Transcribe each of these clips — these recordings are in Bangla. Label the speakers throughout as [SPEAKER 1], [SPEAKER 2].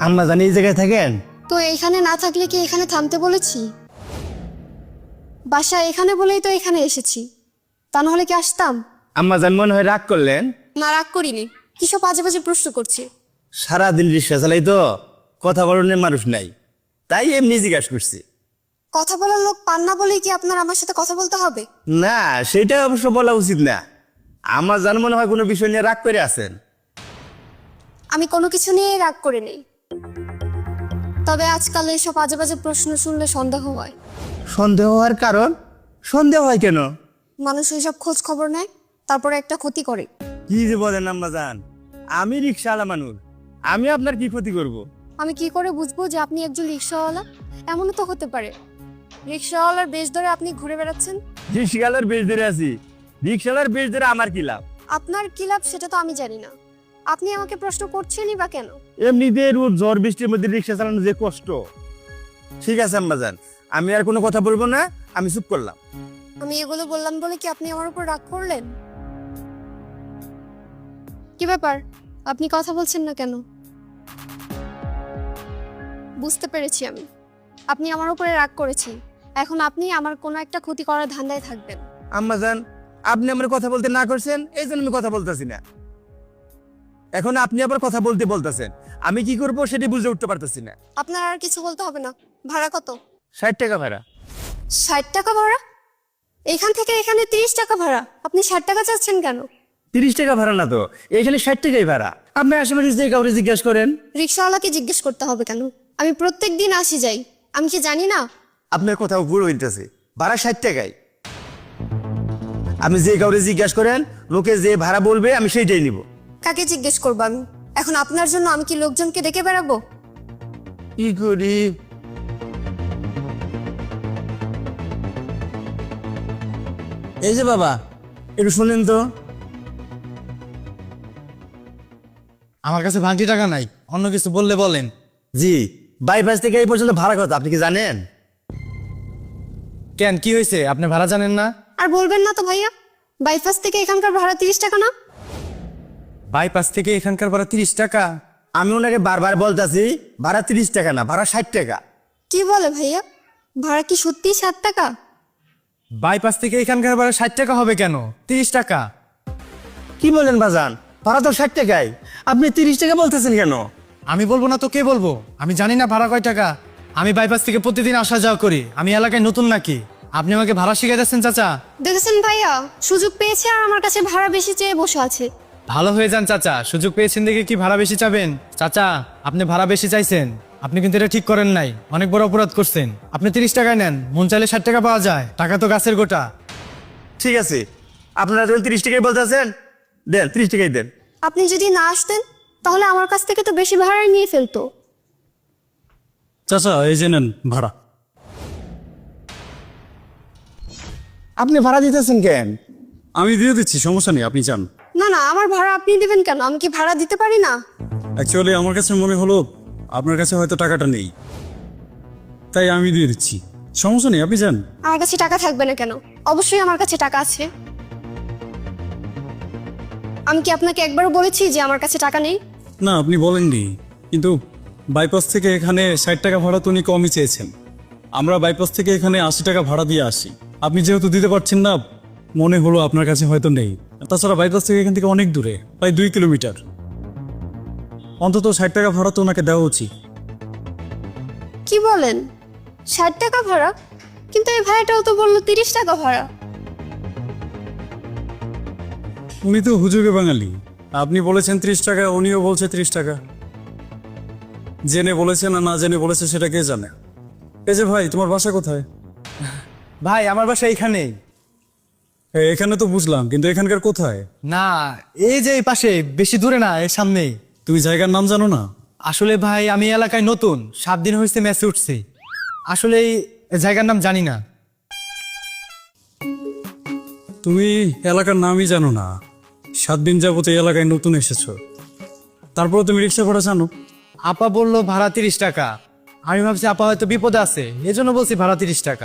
[SPEAKER 1] আম্মা জানি এই জায়গায় থাকেন?
[SPEAKER 2] তো এইখানে না থাকলে কি এখানে থামতে বলেছি? বাসা এখানে বলেই তো এখানে এসেছি, তা নাহলে কি আসতাম?
[SPEAKER 1] আম্মা জান মনে হয় রাগ করলেন?
[SPEAKER 2] না, রাগ করিনি। কিসব বাজে বাজে প্রশ্ন করছি।
[SPEAKER 1] সারাদিন রিক্সা চালাই তো, কথা বলনের মানুষ নাই, তাই এমনি জিজ্ঞাসা করছি।
[SPEAKER 2] কথা বলার লোক পান না বলেই কি আপনার আমার সাথে কথা বলতে হবে?
[SPEAKER 1] না, সেটা অবশ্য বলা উচিত না। আমার জান মনে হয় কোনো বিষয় নিয়ে রাগ করে আছেন।
[SPEAKER 2] আমি কোনো কিছু নিয়ে রাগ করে নেই, তবে আজকাল এইসব বাজে বাজে প্রশ্ন শুনলে সন্দেহ হয়।
[SPEAKER 1] সন্দেহ হওয়ার কারণ? সন্দেহ হয় কেন?
[SPEAKER 2] মানুষ ওইসব খোঁজ খবর নেয়, তারপরে একটা ক্ষতি করে।
[SPEAKER 1] কি যে বলেন আম্মা জান, আমি রিক্সাওয়ালা মানুষ, আমি আপনার কি ক্ষতি করব?
[SPEAKER 2] আমি কি করে বুঝবো যে আপনি একজন রিক্সাওয়ালা? এমনও তো হতে পারে রিক্সাওয়ালার বেশ ধরে আপনি ঘুরে বেড়াচ্ছেন।
[SPEAKER 1] রিক্সাওয়ালার বেশ ধরে আছি, রিক্সাওয়ালার বেশ ধরে আমার কি লাভ?
[SPEAKER 2] আপনার কি লাভ সেটা তো আমি জানি না। আপনি আমাকে প্রশ্ন করছেনই বা কেন?
[SPEAKER 1] এমনিতে রোজ ঝড় বৃষ্টির মধ্যে রিক্সা চালানো যে কষ্ট। ঠিক আছে আম্মা জান, আমি আর কোনো কথা বলবো না, আমি চুপ করলাম।
[SPEAKER 2] আমি এগুলো বললাম বলে কি আপনি আমার উপর রাগ করলেন? কি ব্যাপার, আপনি কথা বলছেন না কেন? বুঝতে পেরেছি আমি, আপনি আমার উপরে রাগ করেছেন। এখন আপনি আমার কোনো একটা ক্ষতি করার ধান্দায় থাকবেন।
[SPEAKER 1] আম্মা জান, আপনি আমার কথা বলতে না করছেন, এই জন্য আমি কথা বলতেছি না। এখন আপনি আবার কথা বলতে বলতেছেন, আমি কি করব সেটা বুঝে উঠতে পারতেছি না।
[SPEAKER 2] আপনার আর কিছু বলতে হবে না। ভাড়া কত?
[SPEAKER 1] 60 টাকা ভাড়া।
[SPEAKER 2] 60 টাকা ভাড়া? এখান থেকে এখানে 30 টাকা ভাড়া, আপনি 60 টাকা চাচ্ছেন কেন?
[SPEAKER 1] 30 টাকা ভাড়া না তো, এখানে 60 টাকাই ভাড়া। আপনি আশেপাশে যে কাউরে জিজ্ঞাসা করেন।
[SPEAKER 2] রিক্সাওয়ালাকে জিজ্ঞেস করতে হবে কেন? আমি প্রত্যেক দিন আসি যাই, আমি কি জানি না?
[SPEAKER 1] আপনার কোথাও ভুল হইতেছে, ভাড়া 60 টাকাই। আপনি যে কাউরে জিজ্ঞাসা করেন, লোকে যে ভাড়া বলবে আমি সেইটাই নিব।
[SPEAKER 2] কাকে জিজ্ঞেস করবো আমি? এখন আপনার জন্য আমি কি লোকজনকে ডেকে বেড়াবো?
[SPEAKER 1] কি করি? এই যে বাবা, একটু শুনেন তো।
[SPEAKER 3] আমার কাছে ভাঙতি টাকা নাই, অন্য কিছু বললে বলেন।
[SPEAKER 1] জি, বাইপাস থেকে এই পর্যন্ত ভাড়া কত আপনি কি জানেন?
[SPEAKER 3] কেন, কি হয়েছে? আপনি ভাড়া জানেন না?
[SPEAKER 2] আর বলবেন না তো ভাইয়া, বাইপাস থেকে এখানকার ভাড়া 30 টাকা না?
[SPEAKER 3] বাইপাস থেকে এখানকার ভাড়া 30 টাকা?
[SPEAKER 1] আমি ওনাকে বারবার বলতেছি ভাড়া 30 টাকা না, ভাড়া 60 টাকা।
[SPEAKER 2] কি বলে ভাইয়া, ভাড়া কি সত্যি 7 টাকা?
[SPEAKER 3] বাইপাস থেকে এখানকার ভাড়া 60 টাকা হবে কেন? 30 টাকা।
[SPEAKER 1] কি বলেন বাজান, ভাড়া তো 60 টাকাই, আপনি 30 টাকা বলতেছেন কেন?
[SPEAKER 3] আমি বলবো না তো কে বলবো? আমি জানি না ভাড়া কয় টাকা। আমি বাইপাস থেকে প্রতিদিন আসা যাওয়া করি, আমি এলাকায় নতুন নাকি? আপনি আমাকে ভাড়া শিখে যাচ্ছেন চাচা?
[SPEAKER 2] দেখেছেন ভাইয়া, সুযোগ পেয়েছে আর আমার কাছে ভাড়া বেশি চেয়ে বসে আছে।
[SPEAKER 3] ভালো হয়ে যান চাচা, সুযোগ পেয়েছেন দেখে কি ভাড়া বেশি চাবেন? চাচা, আপনি ভাড়া বেশি চাইছেন, আপনি কিন্তু এটা ঠিক করেন নাই, অনেক বড় অপরাধ করছেন। আপনি 30 টাকায় নেন, মন চাইলে 60 টাকা পাওয়া যায়, টাকা তো গাছের গোটা।
[SPEAKER 1] ঠিক আছে, আপনারা যখন 30 টাকাই বলতেছেন, দেন 30 টাকাই দেন।
[SPEAKER 2] আপনি যদি না আসতেন তাহলে আমার কাছ থেকে তো বেশি ভাড়াই নিয়ে ফেলতো।
[SPEAKER 4] চাচা এই যে নেন ভাড়া।
[SPEAKER 1] আপনি ভাড়া দিতেছেন কেন?
[SPEAKER 4] আমি দিয়ে দিচ্ছি, সমস্যা নেই, আপনি যান।
[SPEAKER 2] না না, আমার ভাড়া আপনি দিবেন কেন? আমি কি ভাড়া দিতে পারি না?
[SPEAKER 4] অ্যাকচুয়ালি আমার কাছে মনে হলো আপনার কাছে হয়তো টাকাটা নেই, তাই আমি দিয়ে দিচ্ছি, সমস্যা নেই, আপনি যান।
[SPEAKER 2] আমার কাছে টাকা থাকবে না কেন? অবশ্যই আমার কাছে টাকা আছে। আমি কি আপনাকে একবারও বলেছি যে আমার কাছে টাকা নেই?
[SPEAKER 4] না, আপনি বলেননি, কিন্তু বাইপাস থেকে এখানে 60 টাকা ভাড়া তো উনি কমই চেয়েছেন। আমরা বাইপাস থেকে এখানে 80 টাকা ভাড়া দিয়ে আসি, আপনি যেহেতু দিতে পারছেন না, মনে হলো আপনার কাছে হয়তো নেই। তাছাড়া বাইপাস থেকে এখান থেকে অনেক দূরে, প্রায় 2 কিলোমিটার, অন্তত 60 টাকা ভাড়া তো ওনাকে দেওয়া উচিত।
[SPEAKER 2] কি বলেন, 60 টাকা ভাড়া? কিন্তু এই ভাড়াটাও তো বললো 30 টাকা ভাড়া।
[SPEAKER 4] উনি তো হুজুগে বাঙালি, আপনি বলেছেন 30 টাকা, উনিও বলছে 30 টাকা। জেনে বলেছে না না জেনে বলেছে সেটা কে জানে। এই যে ভাই, তোমার বাসা কোথায়?
[SPEAKER 3] ভাই, আমার বাসা এইখানেই।
[SPEAKER 4] এখানে তো বুঝলাম, কিন্তু এখানকার কোথায়?
[SPEAKER 3] না, এই যে এই পাশে, বেশি দূরে না, এর সামনেই।
[SPEAKER 4] তুমি জায়গার নাম জানো না?
[SPEAKER 3] আসলে ভাই, আমি এলাকায় নতুন, 7 দিন হয়েছে মেসে উঠছি, আসলে এই জায়গার নাম জানি না।
[SPEAKER 4] তুমি এলাকার নামই জানো না? 7 দিন যাবত এই এলাকায় নতুন এসেছো, তারপরে তুমি রিক্সা ভাড়া জানো?
[SPEAKER 3] আপা বললো ভাড়া 30 টাকা, আমি ভাবছি আপা হয়তো বিপদে আছে, এজন্য বলছি ভাড়া 30 টাকা।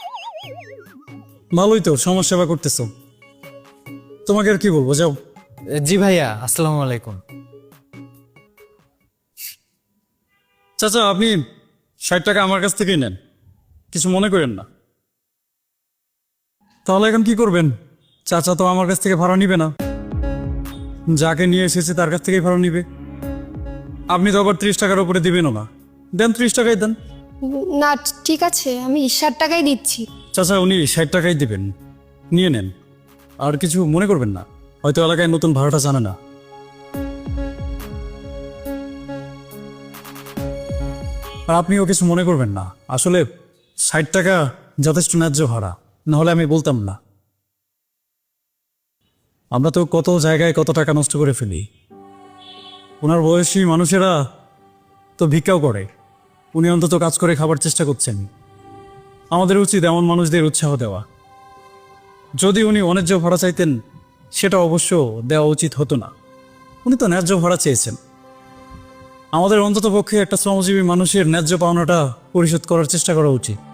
[SPEAKER 4] ভালোই তো, সমাজ সেবা করতেছো। তোমাকে আর কি বলবো, যাও।
[SPEAKER 3] জি ভাইয়া, আসসালামু আলাইকুম।
[SPEAKER 4] চাচা আপনি 60 টাকা আমার কাছ থেকেই নেন, কিছু মনে করেন না। তাহলে এখন কি করবেন? চাচা তো আমার কাছ থেকে ভাড়া নিবে না, যাকে নিয়ে এসেছে তার কাছ থেকেই ভাড়া নিবে। আপনি তো আবার 30 টাকার উপরে দিবেনও না, দেন 30 টাকাই দেন।
[SPEAKER 2] না ঠিক আছে, আমি 60 টাকাই দিচ্ছি।
[SPEAKER 4] চাচা উনি 60 টাকাই দিবেন, নিয়ে নেন, আর কিছু মনে করবেন না। হয়তো এলাকায় নতুন ভাড়াটা জানে না। আর আপনিও কিছু মনে করবেন না, আসলে 60 টাকা যথেষ্ট ন্যায্য ভাড়া, নাহলে আমি বলতাম না। আমরা তো কত জায়গায় কত টাকা নষ্ট করে ফেলি। ওনার বয়সী মানুষেরা তো ভিক্ষাও করে, উনি অন্তত কাজ করে খাবার চেষ্টা করছেন। আমাদের উচিত এমন মানুষদের উৎসাহ দেওয়া। যদি উনি অন্যায্য ভাড়া চাইতেন সেটা অবশ্য দেওয়া উচিত হতো না। উনি তো ন্যায্য ভাড়া চেয়েছেন। আমাদের অন্তত পক্ষে একটা শ্রমজীবী মানুষের ন্যায্য পাওনাটা পরিশোধ করার চেষ্টা করা উচিত।